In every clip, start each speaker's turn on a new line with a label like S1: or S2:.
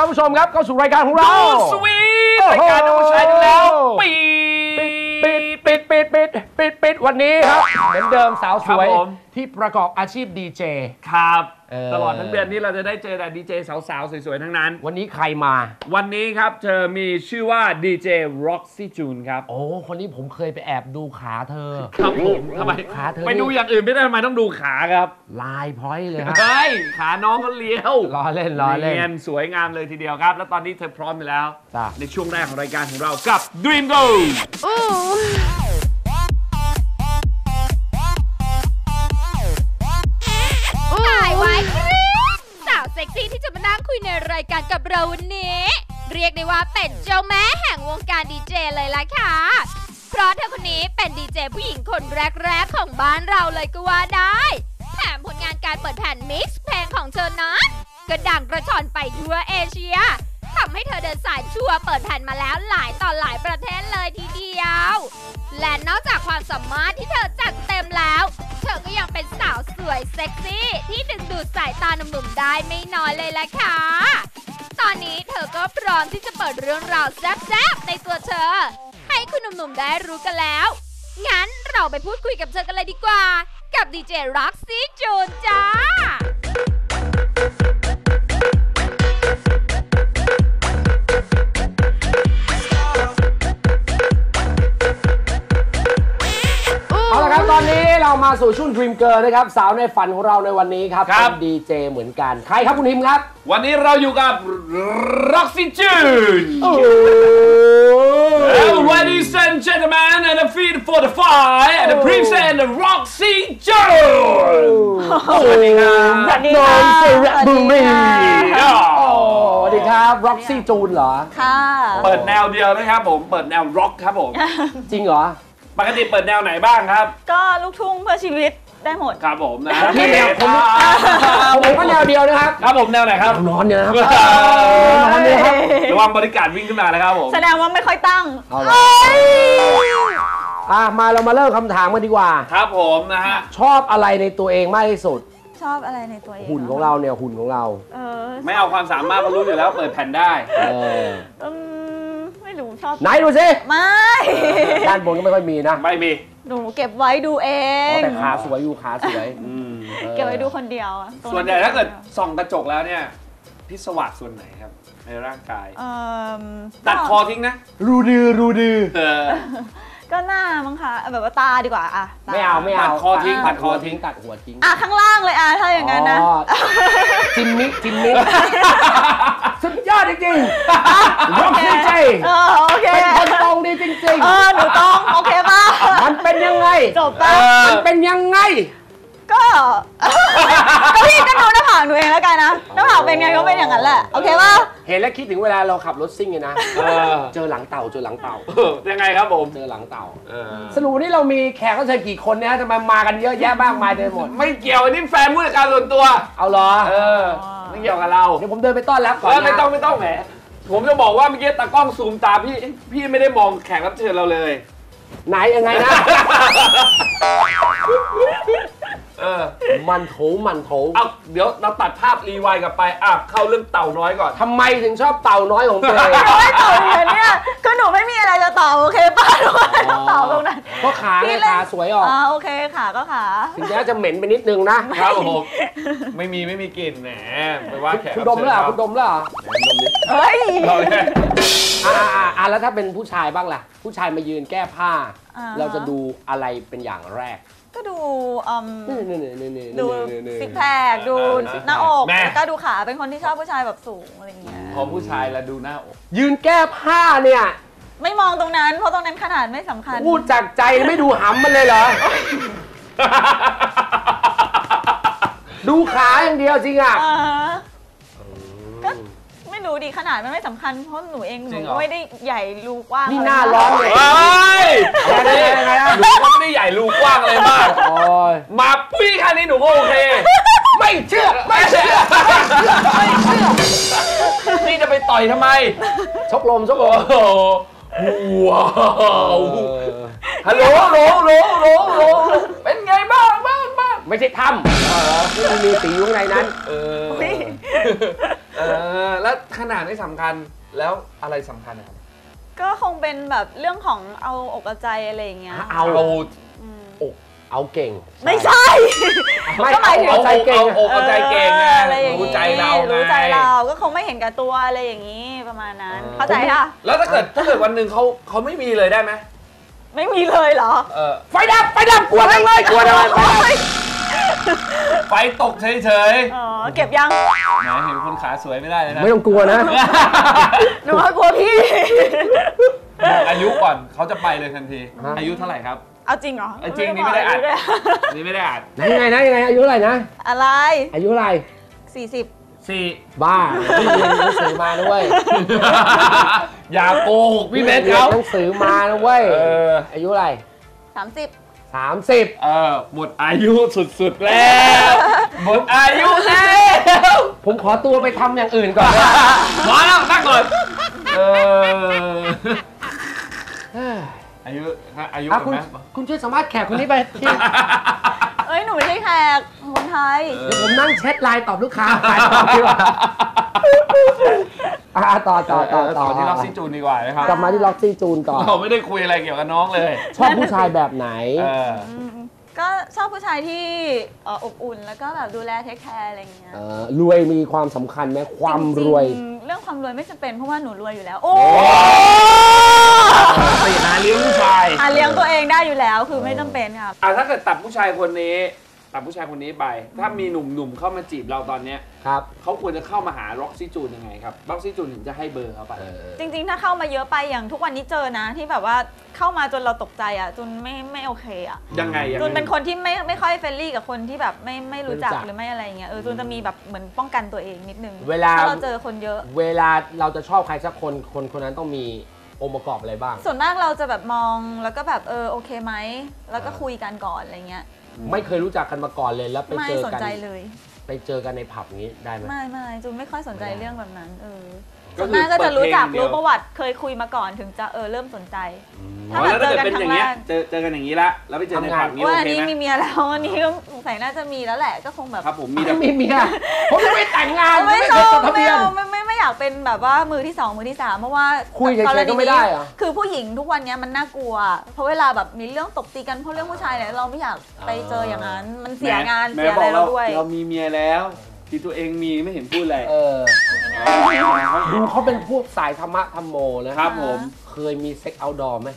S1: านผู้ชมครับเข้าสู่รายการของเรา
S2: สวีทรายการน้องชายแล้ว
S1: ปิดวันนี้ครับเหมือนเดิมสาวสวยที่ประกอบอาชีพดีเจ
S2: ครับตลอดทั้งเดือนนี้เราจะได้เจอแต่ดีเจสาวๆสวยๆทั้งนั้น
S1: วันนี้ใครมา
S2: วันนี้ครับเธอมีชื่อว่าดีเจ Roxy June ครับ
S1: โอ้คนนี้ผมเคยไปแอบดูขาเธอ
S2: ครับผมทำไม
S1: ขาเธอ
S2: ไปดูอย่างอื่นไม่ได้ทำไมต้องดูขาครับ
S1: ลายพร้อยเลยครับ
S2: เฮ้ยขาน้องก็เลี้ยว
S1: ล้อเล่น
S2: สวยงามเลยทีเดียวครับแล้วตอนนี้เธอพร้อมไปแล้วในช่วงแรกของรายการของเรากับ Dream Go
S3: เซ็กซี่ที่จะมานั่งคุยในรายการกับเราวันนี้เรียกได้ว่าเป็นเจ้าแม่แห่งวงการดีเจเลยล่ะค่ะเพราะเธอคนนี้เป็นดีเจผู้หญิงคนแรกๆของบ้านเราเลยก็ว่าได้แถมผลงานการเปิดแผ่นมิกซ์เพลงของเธอนั้นก็ดังกระชอนไปทั่วเอเชียทำให้เธอเดินสายชัวร์เปิดแผ่นมาแล้วหลายต่อหลายประเทศเลยทีเดียวและนอกจากความสามารถที่เธอจัดเต็มแล้วเธอก็ยังเป็นสาวสวยเซ็กซี่ที่ดึงดูดสายตาหนุ่มๆได้ไม่น้อยเลยล่ะค่ะตอนนี้เธอก็พร้อมที่จะเปิดเรื่องราวแซ่บๆในตัวเธอให้คุณหนุ่มๆได้รู้กันแล้วงั้นเราไปพูดคุยกับเธอกันเลยดีกว่ากับดีเจ Roxy June จ้า
S1: เอาละครับตอนนี้เรามาสู่ช่วง Dream Girl นะครับสาวในฝันของเราในวันนี้ครับเป็นดีเจเหมือนกันใครครับคุณฮิมครับ
S2: วันนี้เราอยู่กับ Roxy June Ladies and gentlemen and the feed for the fire and the present Roxy June
S1: สวัสดีครับสวัสดีครับสวัสดีครับ Roxy June เหรอ
S3: ค่ะ
S2: เปิดแนวเดียวนะครับผมเปิดแนวร็อกครับผม
S1: จริงเหรอ
S2: ปกติเปิดแนวไหนบ้างครับ
S3: ก็ลูกทุ่งเพื่อชีวิตได้หมด
S2: ครับผมนะ
S1: ที่แนวผมก็แนวเดียวนะครับ
S2: ครับผมแนวไหนครับ
S1: นอนเนี่ยนะครับ
S2: นอนเนี่ยครับระวังบริการวิ่งขึ้นมานะครับผม
S3: แสดงว่าไม่ค่อยตั้ง
S1: มาเรามาเริ่มคำถามกันดีกว่า
S2: ครับผมนะฮะ
S1: ชอบอะไรในตัวเองมากที่สุด
S3: ชอบอะไรในตัวเอง
S1: หุ่นของเราเนี่ยหุ่นของเรา
S2: ไม่เอาความสามารถก็รู้อยู่แล้วเปิดแผ่นได้
S3: ไม่รู้ชอบ
S1: ไหนดูสิ
S3: ไม่
S1: ด้านบนก็ไม่ค่อยมีนะ
S2: ไม่มี
S3: หนูเก็บไว้ดูเอง
S1: แต่ขาสวยอยู่ขาสวย
S3: เก็บไว้ดูคนเดียว
S2: ส่วนใหญ่ถ้าเกิดส่องกระจกแล้วเนี่ยพิศวาสส่วนไหนครับในร่างกายตัดคอทิ้งนะ
S1: รูดือ
S3: ก็หน้ามั้งคะแบบว่าตาดีกว่า
S1: ไม่เอา
S2: ตัดคอทิ้งตัดหัว
S1: ทิ้ง
S3: ข้างล่างเลยถ้าอย่างนั้นนะ
S1: จิมมิสุดยอดจริงๆร็อกซี่ใจเป็นคนตรงดีจริง
S3: ๆหนูต้องโอเคป่ะ
S1: มันเป็นยังไง
S3: จบป่ะ
S1: มันเป็นยังไง
S3: ก็พี่ก็ดูหน้าผากหนูเองแล้วกันนะหน้าผากเป็นไงก็เป็นอย่างนั้นแหละโอเคป่ะ
S1: เห็นแล้วคิดถึงเวลาเราขับรถซิ่งไงนะเจอหลังเต่า
S2: ยังไงครับผม
S1: เจอหลังเต่าสรุปนี่เรามีแขกรับเชิญกี่คนเนี่ยทำไมมากันเยอะแยะมากมายเต็มหมด
S2: ไม่เกี่ยวนี่แฟนผู้จัดการส่วนตัว
S1: เอาเหรอ
S2: ไม่เกี่ยวกับเรา
S1: เดี๋ยวผมเดินไปต้อนรับก่อน
S2: ไม่ต้องแหมผมจะบอกว่าเมื่อกี้ตากล้องซูมตาพี่ไม่ได้มองแขกรับเชิญเราเลย
S1: ไหนยังไงนะมันโถ
S2: เอาเดี๋ยวเราตัดภาพรีไวด์กลับไปเข้าเรื่องเต่าน้อยก่อน
S1: ทำไมถึงชอบเต่าน้อยของตัวเอง
S3: ไม่เต่าเนี่ยก็หนูไม่มีอะไรจะตอบโอเคป่ะหนูไม่ต้องตอบตรงนั้น
S1: เพราะขาสวยออก
S3: โอเคขาก็ขา
S1: ถึงแม้จะเหม็นไปนิดนึง
S2: นะครับผมไม่มีกลิ่นแหมไปว่าแขก
S1: คุณดมแล้วคุณดมแล้ว
S3: เฮ้ย
S1: แล้วถ้าเป็นผู้ชายบ้างล่ะผู้ชายมายืนแก้ผ้าเราจะดูอะไรเป็นอย่างแรก
S3: ก็ดูซิกแพคดูหน้าอกแล้วก็ดูขาเป็นคนที่ชอบผู้ชายแบบสูงอะไรอย่างเงี้ย
S2: พอผู้ชายแล้วดูหน้าอก
S1: ยืนแก้ผ้าเนี่ย
S3: ไม่มองตรงนั้นเพราะตรงนั้นขนาดไม่สำคัญ
S1: พูดจากใจไม่ดูหำมันเลยเหรอดูขาอย่างเดียวจริงอ่ะ
S3: ก็ไม่รู้ดิขนาดมันไม่สำคัญเพราะหนูเองหนูก็ไม่ได้ใหญ่รูกว้าง
S1: นี่หน้าร้อนเลย
S2: ยังไงนะหนูก็ไม่ได้ใหญ่รูกว้างอะไรมากมาปี้แค่นี้หนูก็โอเค
S1: ไม่เชื่อ
S2: นี่จะไปต่อยทำไม
S1: ชกลม
S2: ว้าวฮัลโหลเป็นไงบ้าง
S1: ไม่ใช่ถ้ำไม่มีสีอยู่ข้างในนั้น
S2: แล้วขนาดไม่สำคัญแล้วอะไรสำคัญครับ
S4: ก็คงเป็นแบบเรื่องของเอาอกเอาใจอะไรอย่างเงี้ย
S1: เอาเก่ง
S4: ไม่ใช่
S1: ก็หมายถึง
S2: ใจเก่งเอาใจเก่ง
S4: อะไรอย่างงี้
S2: รู้ใจเรา
S4: ก็คงไม่เห็นกับตัวอะไรอย่างงี้ประมาณนั้นเข้าใจค่ะ
S2: แล้วถ้าเกิดวันหนึ่งเขาไม่มีเลยได้ไหม
S4: ไม่มีเลยเหรอ
S1: ไฟดับกลัวจังเลยกลัวจังเลย
S2: ไฟตกเฉย
S4: เก็บยัง
S2: ไหนเห็นคนขาสวยไม่ได้เลยนะ
S1: ไม่ต้องกลัวนะ
S4: หนูว่ากลัวพี่
S2: อายุก่อนเขาจะไปเลยทันทีอายุเท่าไหร่ครับ
S4: เอาจริงเหรอ
S2: จริงนี่ไม่ได้อ่านนี่ไม่ได้อ่าน
S1: ยังไงอายุเท่าไหร่นะ
S4: อะไร
S1: อายุเท่าไหร่
S4: 40
S1: บ้าพี่เรียนหนังสือมาด้วย
S2: อย่าโกหกพี่เบสเขา
S1: หนังสือมานะเว้ยอายุอะไร30
S2: หมดอายุสุดๆแล้วหมดอายุแล้ว
S1: ผมขอตัวไปทำอย่างอื่นก่อน
S2: มาแล้วนั่งก่อนอายุ
S1: คุณช่วยสัมภาษณ์แขกคนนี้ไปที่
S4: หนูไม่ใช่แขกคนไทย
S1: เดี๋ยวผมนั่งแชทไลน์ตอบลูกค้าขายของดีกว่าต่อ
S2: ที่ล็อกซี่จูนดีกว่านะครับ
S1: กลับมาที่ล็อกซี่จูนต่อ
S2: เราไม่ได้คุยอะไรเกี่ยวกับน้องเลย
S1: ชอบผู้ชายแบบไหน
S4: ก็ชอบผู้ชายที่อบอุ่นแล้วก็แบบดูแลเทคแคร์อะไรอย่างเงี้ย
S1: รวยมีความสำคัญไหมความรวย
S4: เรื่องความรวยไม่จำเป็นเพราะว่าหนูรวยอยู่แล้วโอ้
S2: หาเลี้ยงผู้ชาย
S4: เลี้ยงตัวเองได้อยู่แล้วคือไม่จำเป็นครับ
S2: ถ้าเกิดตัดผู้ชายคนนี้ไปถ้ามีหนุ่มๆเข้ามาจีบเราตอนนี้
S1: ครับ
S2: เขาควรจะเข้ามาหาล็อกซี่จูนยังไงครับล็อกซี่จูนถึงจะให้เบอร์เขาไป
S4: จริงๆถ้าเข้ามาเยอะไปอย่างทุกวันนี้เจอนะที่แบบว่าเข้ามาจนเราตกใจอ่ะจนไม่โอเคอ่ะ
S2: ยังไง
S4: จนเป็นคนที่ไม่ค่อยเฟรนลี่กับคนที่แบบไม่รู้จักหรือไม่อะไรเงี้ยจนจะมีแบบเหมือนป้องกันตัวเองนิดนึงถ้าเราเจอคนเยอะ
S1: เวลาเราจะชอบใครสักคนนั้นต้องมีองค์ประกอบอะไรบ้าง
S4: ส่วนมากเราจะแบบมองแล้วก็แบบโอเคไหมแล้วก็คุยกันก่อนอะไรเงี้ย
S1: ไม่เคยรู้จักกันมาก่อนเลยแล้วไปเจอกัน
S4: ไม่สนใจเลย
S1: ไปเจอกันในผับนี้ได้ไหม
S4: ไม่จูนไม่ค่อยสนใจเรื่องแบบนั้นส่วนมากก็จะรู้จักรู้ประวัติเคยคุยมาก่อนถึงจะเริ่มสนใจ
S2: ถ้าแบบเจอกันครั้งแรกเจอกันอย่างนี้ละแล้วไปเจอในผับนี้โอเคไหม
S4: วันนี้มีเมียแล้ววันนี้ก็สงสัยน่าจะมีแล้วแหละก็คงแบบ
S2: ครับผมมี
S1: เมียผมจะไปแต่งงาน
S4: ไม่จดทะเบียนไม่อยากเป็นแบบว่ามือที่2มือที่3เพราะว่า
S1: คุยกันก็ไม่ได้อะ
S4: คือผู้หญิงทุกวันนี้มันน่ากลัวเพราะเวลาแบบมีเรื่องตบตีกันเพราะเรื่องผู้ชายเนี่ยเราไม่อยากไปเจออย่างนั้นมันเสียงานเสียอะไรเราด้วย
S2: เรามีเมียแล้วที่ตัวเองมีไม่เห็นพูดอะไร
S1: ดูเขาเป็นพวกสายธรรมะธรรมโม
S2: นะครับผม
S1: เคยมีเซ็กเอาท์ดอร์ไหม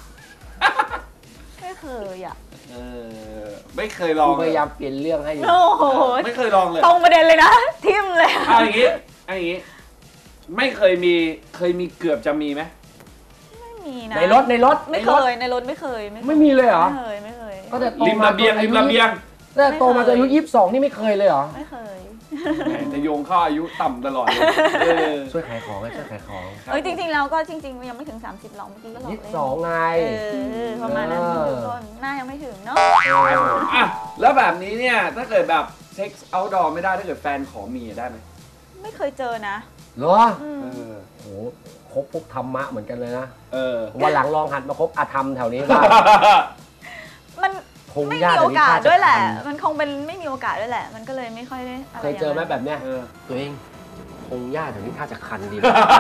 S4: ไม่เคยอ่ะ
S2: ไม่เคยลอง
S1: พยายามเปลี่ยนเรื่องให้
S2: ไม่เคยลองเลย
S4: ตรงประเด็นเลยนะทิมเลย
S2: เอาอย่างนี้ไม่เคยมีเกือบจะมีไหม
S4: ไม่มีนะ
S1: ในรถ
S4: ไม่เคยในรถไม่เคย
S1: ไม่มีเลยเหรอ
S4: ไม่เคย
S1: ก็แต่
S2: ริมระเบียง
S1: แต่โตมาจนอายุ22นี่ไม่เคยเลยเหรอ
S4: ไม่เคย
S2: จะโยงเข้าอายุต่ำตลอด
S1: ช่วยขายของช่วยขายของ
S4: จริงๆแล้วก็จริงๆยังไม่ถึง30หรอกเมื่อกี้ก็หลอกเลย
S1: 22ไง
S4: ประมาณนั้นต้นหน้ายังไม่ถึงเนาะ
S2: แล้วแบบนี้เนี่ยถ้าเกิดแบบเซ็กซ์เอาท์ดอร์ไม่ได้ถ้าเกิดแฟนขอมีได้ไหม
S4: ไม่เคยเจอนะ
S1: เหรอโหคบพวกธรรมะเหมือนกันเลยนะวันหลังลองหัดมาคบอาธรรมแถวนี้บ้าง
S4: มันไม่มีโอกาสด้วยแหละมันคงเป็นไม่มีโอกาสด้วยแหละมันก็เลยไม่ค่อยได้
S1: เคยเจอไหมแบบเนี้ยตัวเองคงยากแถวนี้ถ้าจะคันดี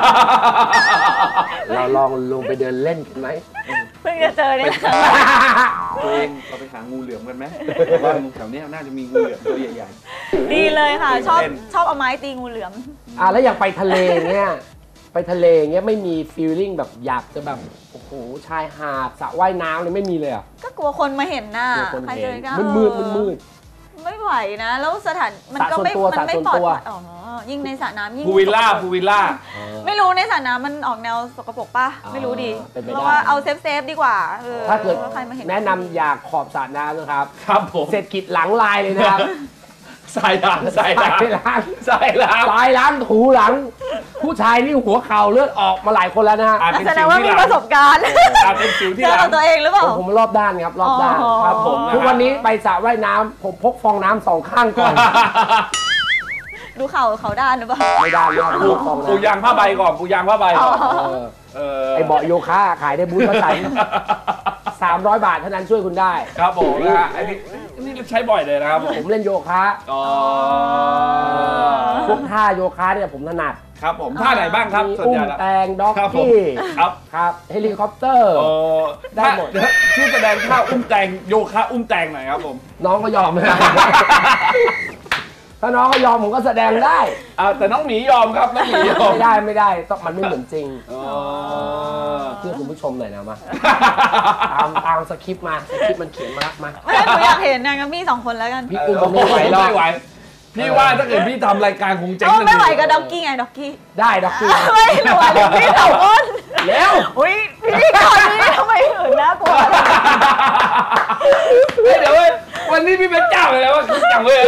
S1: เราลองลงไปเดินเล่นกันไหม
S4: เพิ่งจะเจอเนี่ย
S2: ตัวเองเราไปหางูเหลือมกันไหมว่าแถวนี้น่าจะมีงูเหลือมตัวใหญ่
S4: ๆดีเลยค่ะชอบเอาไม้ตีงูเหลือม
S1: แล้วอย่างไปทะเลเนี่ยไปทะเลเงี้ยไม่มีฟีลลิ่งแบบอยากจะแบบโอ้โหชายหาดสระว่ายน้ำเลยไม่มีเลยอ่ะ
S4: ก็กลัวคนมาเห็นหน้าใครเจอกัน
S1: มืด
S4: ไม่ไหวนะแล้วสถานมันก็ไม่ปลอดภัยยิ่งในสระน้ำยิ่ง
S2: พูวิลล่า
S4: ไม่รู้ในสระน้ำมันออกแนวสกปรกป่ะไม่รู้ดิเพราะว่าเอาเซฟดีกว่า
S1: ถ้าเกิดแนะนำอยากขอบสระน้ำนะครับ
S2: ครับผม
S1: เศรษฐกิจหลังลายเลยนะครับ
S2: สายล้าง
S1: ถูหลังผู้ชายนี่หัวเข่าเลือดออกมาหลายคนแล้วนะ
S4: แสดงว่ามีประสบการณ์
S2: เป็นสิวที่
S4: หลังตัวเองหรือเปล่า
S1: ผมรอบด้านครับรอบด้านครับผมทุกวันนี้ไปสระว่ายน้ำผมพกฟองน้ำ2ข้างก่อน
S4: ดูเข่าเขาด้านหรือเปล่า
S1: ไม่ด้านเลย
S2: ปูยางผ้าใบก่อนปูยางผ้าใบ
S1: ไอเบาะโยคะขายได้บูธมาใส่ 300 บาทเท่านั้นช่วยคุณได้
S2: ครับผมนะฮะอันนี้ใช้บ่อยเลยนะครับ
S1: ผมเล่นโยคะ
S2: อ๋อ
S1: พวกท่าโยคะเนี่ยผมถนัด
S2: ครับผมท่าไหนบ้างครับ
S1: มี
S2: ส่วน
S1: อุ้
S2: ให
S1: ม
S2: ญ่แล้ว
S1: แตงด็อก
S2: ครับผม
S1: กี้
S2: ครับ
S1: ครับเฮลิคอปเตอร์
S2: โอ้
S1: ได้หมด
S2: ชื่อแสดงท่าอุ้มแตงโยคะอุ้มแตงหน่อยครับผม
S1: น้องก็ยอมนะ ถ้าน้องก็ยอมผมก็แสดงได้
S2: แต่น้องหมียอมครับน้องหมียอม
S1: ไม่ได้ต้องมันไม่เหมือนจริง
S2: อ๋อ
S1: เพื่อคุณผู้ชมหน่อยนะมา ตามสคริปต์มาสคริปต์มันเขียนมาละมา
S4: ไม่หนูอยากเห็นนะงั้นพี่2 คนแล้วกัน
S1: พี่อุ้มผมไม่ไหวหรอก
S2: ไม่ไหวพี่ว่าถ้าเกิดพี่ทำรายการคงเจ๊ง
S4: ไม่ไหวกับด็อกกี้ไงด็อกกี้
S1: ได้ด็อกกี้
S4: ไม่หนูไหวกับพี่2 คน
S1: เร็ว
S4: อุ้ยพี่ก่อนนี้ทำไมหื่นน่ากลัว
S2: เดี๋ยวเว้ยวันนี้พี่เป็นเจ้าเลยนะว่าจังเว้ย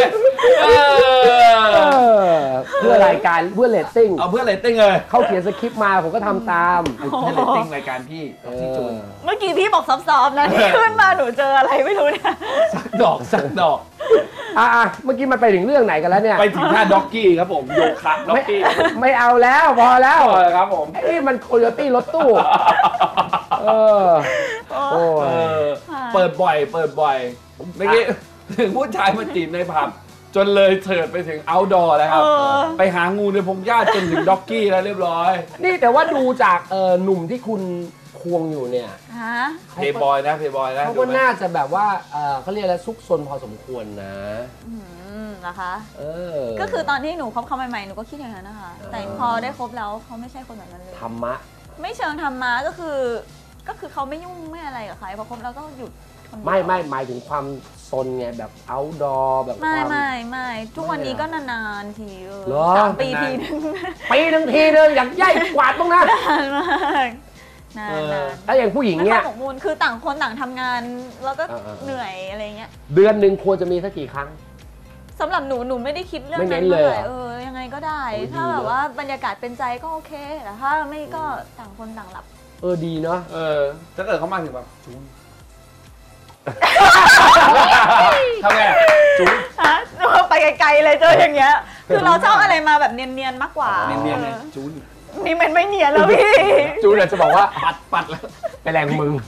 S1: เพื่อรายการเพื่อเรตติ้ง
S2: เอาเพื่อเรตติ้งเลย
S1: เขาเขียนสคริปต์มาผมก็ทำตาม
S2: เพื่อเรตติ้งรายการพี่ที่จูน
S4: เมื่อกี้พี่บอกซอฟๆนะที่ขึ้นมาหนูเจออะไรไม่รู้เนี่ย
S2: สักดอก
S1: เมื่อกี้มันไปถึงเรื่องไหนกันแล้วเนี่ย
S2: ไปถึงท่าด็อกกี้ครับผมโยคะด็อกกี้
S1: ไม่เอาแล้วพอแล้ว
S2: ครับผม
S1: ไอ้มันโคโยตี้รถตู้โอ้ย
S2: เปิดบ่อยเมื่อกี้ถึงผู้ชายมาจีบในผับจนเลยเถิดไปถึง outdoor แล้วครับไปหางูในพงหญ้าจนถึงด็อกกี้แล้วเรียบร้อย
S1: นี่แต่ว่าดูจากหนุ่มที่คุณควงอยู่เนี่ย
S4: ฮะ
S2: เพย์บอยนะ
S1: เขาก็น่าจะแบบว่าเขาเรียกอะไรซุกซนพอสมควรนะ
S4: เหรอคะ
S1: ก็
S4: ก็คือตอนที่หนูคบเขาใหม่ๆหนูก็คิดอย่างนั้นนะคะ แต่พอได้คบแล้วเขาไม่ใช่คนแบบนั้นเลย
S1: ธรรมะ
S4: ไม่เชิงธรรมะก็คือเขาไม่ยุ่งไม่อะไรกับใครพอคบแล้วก็หยุดคนเดียว
S1: ไม่หมายถึงความซนไงแบบ outdoor แบบความ
S4: ไม่ทุกวันนี้ก็นานๆที
S1: เหรอ
S4: 3 ปีทีนึง
S1: ปีหนึ่งทีนึงอยากย่ายกวาดบ้างนะ
S4: นานมากนาน
S1: ถ้าอย่างผู้หญิง
S4: ไม่
S1: เนี่
S4: ค่อย ยหมกมุ่นคือต่างคนต่างทำงานแล้วก็เหนื่อยอะไรเงี้ย
S1: เดือนหนึ่งควรจะมีสักกี่ครั้ง
S4: สำหรับหนูไม่ได้คิดเรื่อง
S1: ไม่เน้
S4: นั้น น
S1: เลยเหรอ
S4: ยังไงก็ได้
S1: โอ้ย
S4: ถ้า
S1: ดี
S4: แบบ
S1: เนอะ
S4: ว่าบรรยากาศเป็นใจก็โอเคแต่ถ้าไม่ก็ต่างคนต่างหลับ
S1: ดีเนาะ
S2: ถ้าเกิดเขามาถึงแบบจูนทำไงจูน
S4: ฮะไปไกลๆเลยเจออย่างเงี้ย คือเราชอบอะไรมาแบบเนียนๆมากกว่า
S2: เนียนๆเลยจูน
S4: นี่มันไม่เนียนแล้วพี่
S1: จูนจะบอกว่า
S2: ปัดแล้ว
S1: ไปแรงมึง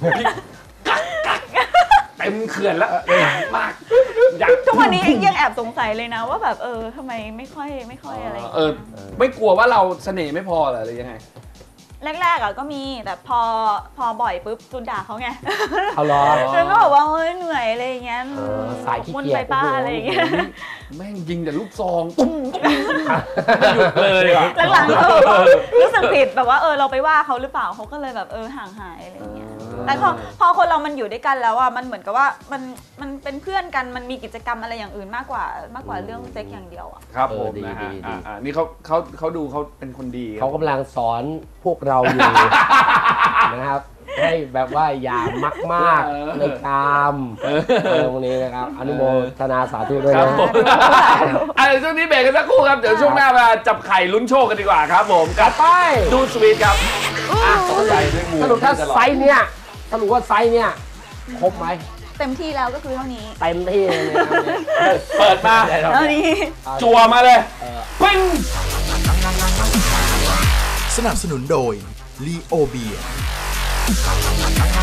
S2: เต็มเขื่อนแล้วมากอยาก
S4: ทุกวันนี้ยังแอบสงสัยเลยนะว่าแบบทำไมไม่ค่อยอะไรอย่างเงี้ย
S2: ไม่กลัวว่าเราเสน่ห์ไม่พอเหรอหรือยังไง
S4: แรกๆก็มีแต่พอบ่อยปุ๊บจูนด่าเขาไง
S1: เอาล้อ
S4: จูนก็บอกว่าเหนื่อยอะไรอย่างเงี้ย
S1: สายขี้
S4: มุ่น
S1: เกียจ
S4: ไปป้าอะไรอย่างเงี้ย
S2: แม่งยิงแต่ลูกซองตุ้มไม่หยุดเลยอ่ะ
S4: หลังๆรู้สึกผิดแบบว่าเราไปว่าเขาหรือเปล่าเขาก็เลยแบบห่างหายอะไรอย่างเงี้ยแต่พอคนเรามันอยู่ด้วยกันแล้วอ่ะมันเหมือนกับว่ามันเป็นเพื่อนกันมันมีกิจกรรมอะไรอย่างอื่นมากกว่าเรื่องเซ็กอย่างเดียวอ่ะ
S2: ครับผมนะฮะนี่เขาดูเขาเป็นคนดี
S1: เขากำลังสอนพวกเราอยู่ นะครับ ให้แบบว่าอย่ามากๆในกามตรงนี้นะครับ อนุโมทนาสาธุด้วย
S2: ครั
S1: นะ
S2: บผมช่วงนี้เบรกกันสักครู่ครับเดี๋ยวช่วงหน้ามาจับไข่ลุ้นโชคกันดีกว่าครับผมกับ
S1: ไป
S2: ดูสวีทครับใจด้วยงู
S1: สรุปถ้าไซส์เนี่ยสรุปว่าไซส์เนี่ยครบไหม
S4: เต็มที่แล้วก็คือเท่านี้
S1: เต็มที่เลยนะครับ
S2: เปิดมา
S4: เท่านี้
S2: จั่วมาเลยปิ้ง
S5: สนับสนุนโดย ลีโอเบีย